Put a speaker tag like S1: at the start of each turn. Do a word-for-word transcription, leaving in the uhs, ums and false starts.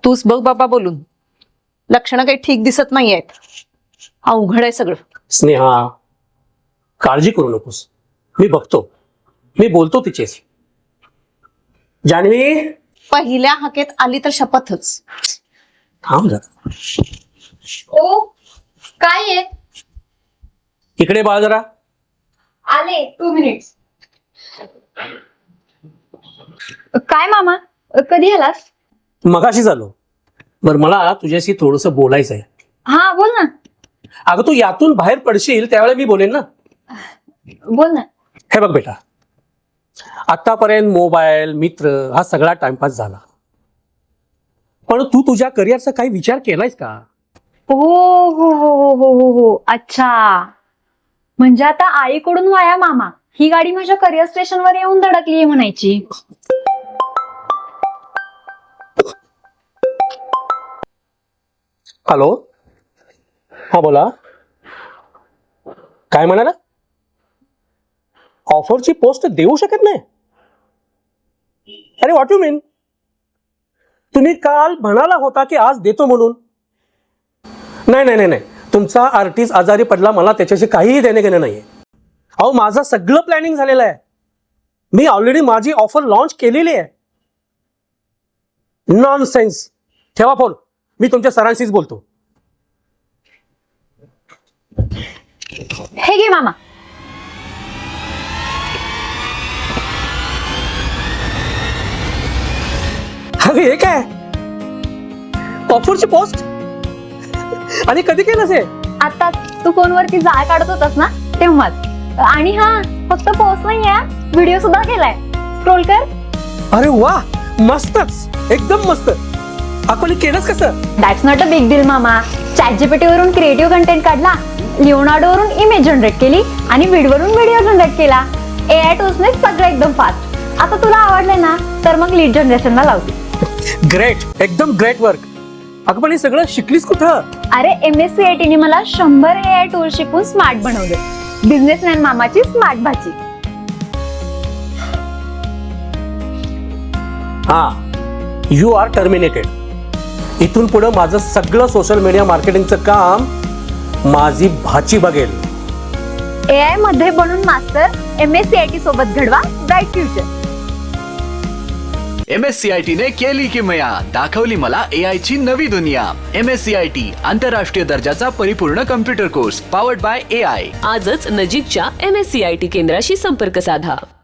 S1: तूच बघ बाबा बोलून, लक्षणं काही ठीक दिसत नाही आहेत. अवघड आहे सगळं.
S2: स्नेहा, काळजी करू नकोस, मी बघतो, मी बोलतो तिचेच. जान्हवी,
S1: पहिल्या हाकेत आली तर शपथच.
S2: थांब जरा.
S3: ओ काय आहे?
S2: इकडे बाळ जरा.
S3: आले टू मिनिट्स. काय मामा, कधी आलास?
S2: मगाशी झालो. बर, मला तुझ्याशी थोडस बोलायचं आहे.
S3: हा बोल ना.
S2: अगं तू यातून बाहेर पडशील त्यावेळेला मी बोलेन ना.
S3: बोल ना.
S2: हे बघ बेटा, आतापर्यंत मोबाईल, मित्र हा सगळा टाइमपास झाला, पण तू तुझ्या करिअरचा काही विचार केलायस का?
S3: हो हो हो हो हो हो हो अच्छा, म्हणजे आता आईकडून वाया मामा ही गाडी माझ्या करिअर स्टेशनवर येऊन धडकली आहे म्हणायची.
S2: हॅलो, हा बोला. काय म्हणाला? ऑफरची पोस्ट देऊ शकत नाही? अरे व्हॉट यू मीन? तुम्ही काल म्हणाला होता की आज देतो म्हणून. नाही नाही नाही नाही, तुमचा आर्टिस्ट आजारी पडला, मला त्याच्याशी काहीही देणे घेणे नाहीये. अहो माझं सगळं प्लॅनिंग झालेलं आहे. मी ऑलरेडी माझी ऑफर लॉन्च केलेली आहे. नॉनसेन्स. ठेवा फोन, मी तुमच्या सरांशीच बोलतो.
S3: हे घे मामा.
S2: अरे हे काय? ऑफरची पोस्ट? आणि कधी केलं हे?
S3: आता तू फोनवरती जाळ काढत होतास ना तेव्हाच. आणि हा फक्त पोस्ट नाही आहे, व्हिडिओ सुद्धा केलाय. स्क्रोल कर.
S2: अरे वा, मस्तच, एकदम मस्त. आपण केलंच कसं?
S3: That's not a big deal मामा. चॅट जीपीटी वरून क्रिएटिव्ह कंटेंट काढला, लिओनार्डो वरून इमेज जनरेट केली आणि विड वरून व्हिडिओ जनरेट केला. ए आय टूल्सने सगळं एकदम फास्ट. आता तुला आवडले ना तर मग लीड जनरेशनला लावते.
S2: ग्रेट, एकदम ग्रेट वर्क. अगं पण हे सगळं शिकलीस कुठं?
S3: अरे M S C I T ने मला शंभर ए आय टूल शिकून स्मार्ट बनवले. बिझनेसमॅन मामाची स्मार्ट भाची.
S2: हा, यू आर टर्मिनेटेड. इथून पुढे माझं सगळं सोशल मीडिया मार्केटिंगचं काम माझी भाची बघेल.
S3: ए आय मध्ये बनून master. M S C I T सोबत घडवा bright future.
S4: M S C I T ने केली किमया, दाखवली मला ए आय ची नवी दुनिया. M S C I T आंतरराष्ट्रीय दर्जाचा परिपूर्ण computer course, powered by A I.
S5: आजच नजीकच्या M S C I T केंद्राशी संपर्क साधा.